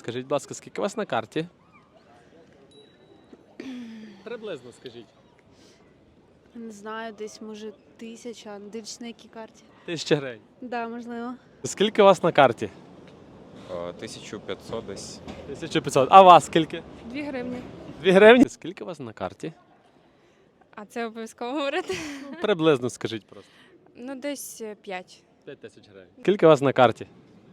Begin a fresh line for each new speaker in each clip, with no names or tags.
Скажіть, будь ласка, скільки у вас на карті? Приблизно скажіть.
Не знаю, десь може 1000, дивлячись на якій карті.
1000 гривень.
Да, можливо.
Скільки у вас на карті?
1500 десь.
1500. А у вас скільки?
2 гривні.
2 гривні? Скільки у вас на карті?
А це обов'язково говорити?
Приблизно скажіть просто.
Ну, десь 5.
5000 гривень. Скільки у вас на карті?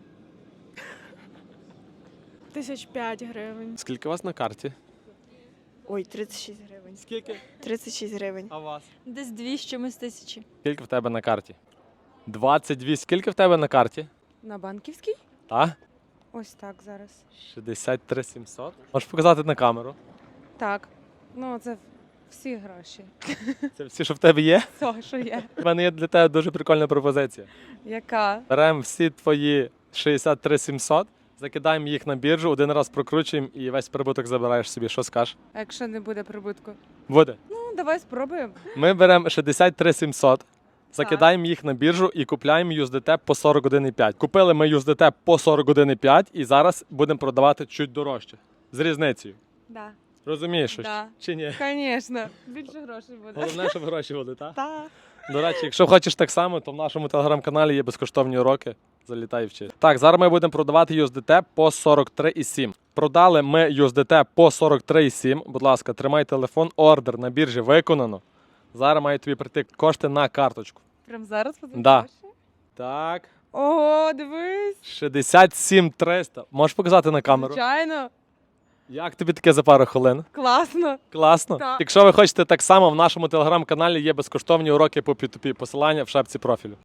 1005 гривень.
Скільки у вас на карті?
Ой, 36 гривень.
Скільки?
36 гривень.
А у вас?
Десь 2 з чимось тисячі.
Скільки в тебе на карті? 22. Скільки в тебе на карті?
На банківській?
А?
Ось так зараз.
63 700. Можеш показати на камеру?
Так. Ну, це всі гроші.
Це всі, що в тебе є?
Все, що є.
У мене є для тебе дуже прикольна пропозиція.
Яка?
Беремо всі твої 63 700, закидаємо їх на біржу, один раз прокручуємо і весь прибуток забираєш собі. Що скажеш?
А якщо не буде прибутку?
Буде.
Ну, давай спробуємо.
Ми беремо 63 700, закидаємо їх на біржу і купляємо USDT по 41,5. Купили ми USDT по 41,5 і зараз будемо продавати чуть дорожче. З різницею.
Да.
Розумієш щось?
Да.
Чи ні?
Звісно. Більше грошей буде.
Головне, щоб гроші були, так?
Так.
До речі, якщо хочеш так само, то в нашому телеграм-каналі є безкоштовні уроки. Залітай і вчи. Так, зараз ми будемо продавати USDT по 43,7. Продали ми USDT по 43,7. Будь ласка, тримай телефон, ордер на біржі виконано. Зараз мають тобі прийти кошти на карточку.
Прям зараз буде
Да.
гроші?
Так,
Ого, дивись.
67 300. Можеш показати на камеру?
Звичайно.
Як тобі таке за пару хвилин?
Класно.
Класно?
Так.
Якщо ви хочете так само, в нашому телеграм-каналі є безкоштовні уроки по P2P. Посилання в шапці профілю.